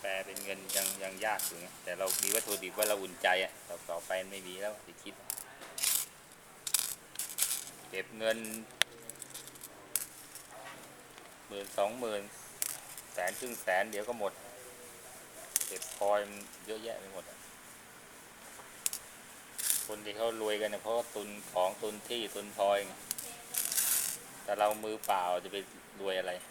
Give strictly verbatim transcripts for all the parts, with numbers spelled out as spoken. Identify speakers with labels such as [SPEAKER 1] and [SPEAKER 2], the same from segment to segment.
[SPEAKER 1] แปลเป็นเงินยังยังยากอยู่ไงแต่เรามีวัตถุดิบว่าเราอุ่นใจอ่ะต่อต่อไปไม่มีแล้วติดคิดเก็บเงินหมื่นสองหมื่นแสนครึ่งแสนเดี๋ยวก็หมดเก็บคอยมันเยอะแยะไปหมดอ่ะคนที่เขารวยกันเนี่ยเพราะตุนของตุนที่ตุนพลอยไงแต่เรามือเปล่าจะไปรวยอะไร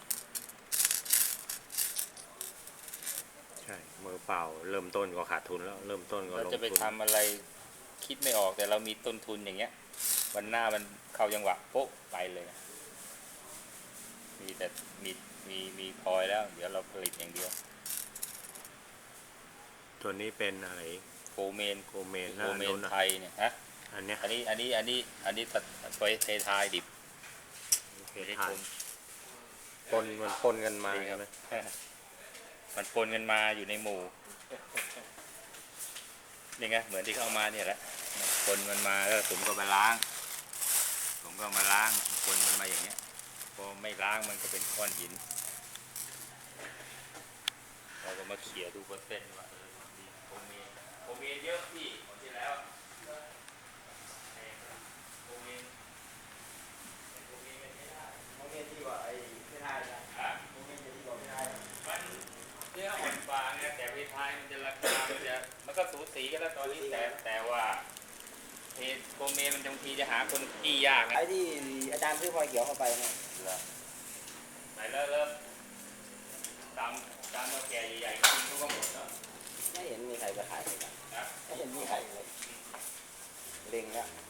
[SPEAKER 2] ใช่มือเปล่าเริ่มต้นก็ขาดทุนแล้วเริ่มต้นก็ลงทุน
[SPEAKER 1] เราจะไปทำอะไรคิดไม่ออกแต่เรามีต้นทุนอย่างเงี้ยวันหน้ามันเข้าจังหวะโป๊ะไปเลยมีแต่มีมีมีพลอยแล้วเดี๋ยวเราผลิตอย่างเดียว
[SPEAKER 2] ตัวนี้เป็นอะไร
[SPEAKER 1] โกเมน
[SPEAKER 2] โกเมน
[SPEAKER 1] โกเมนไทยเนี่ยฮะ
[SPEAKER 2] อันเนี้ย
[SPEAKER 1] อันนี้อันนี้อันนี้อันนี้ตัดไปเททายดิบ
[SPEAKER 2] เททายปนมันปนกันมาใช่ไหม
[SPEAKER 1] มันปนกันมาอยู่ในหมู่นี่ไงเหมือนที่เข้ามาเนี่ยแหละปนมันมาแล้วผมก็มาล้างผมก็มาล้างปนมันมาอย่างเงี้ยพอไม่ล้างมันก็เป็นก้อนหินเราก็มาเขี่ยดูเปอร์เซ็นต์ว่าโคเมนโคเมนเยอะพี่ของที่แล้วโคเมนโคเมนไม่ได้
[SPEAKER 3] โมเมนต์ที่ว่าไอ้ไม่ได้นะโมเมนต์ที่บอกไม่ได้
[SPEAKER 1] มันเนื้ออ่อนฟางเนี่ยแต่เพทายมันจะราคามันจะมันก็สูสีกันแล้วตอนนี้แต่แต่ว่าเพโคเมนมันบางทีจะหาคนกี้ยากนะ
[SPEAKER 3] ไอ้ที่อาจารย์ซื้อพลอยเขียวเข้าไปเนี่ย
[SPEAKER 1] ไหนเริ่มเริ่มตามตามมาแก่ใหญ่ๆจริงเขาก็หมดแล้ว
[SPEAKER 3] ไม่เห็นมีใครไปขายเลยนะ
[SPEAKER 1] นะ
[SPEAKER 3] ไม่เห็นมีใครเลยเล็งแล้ว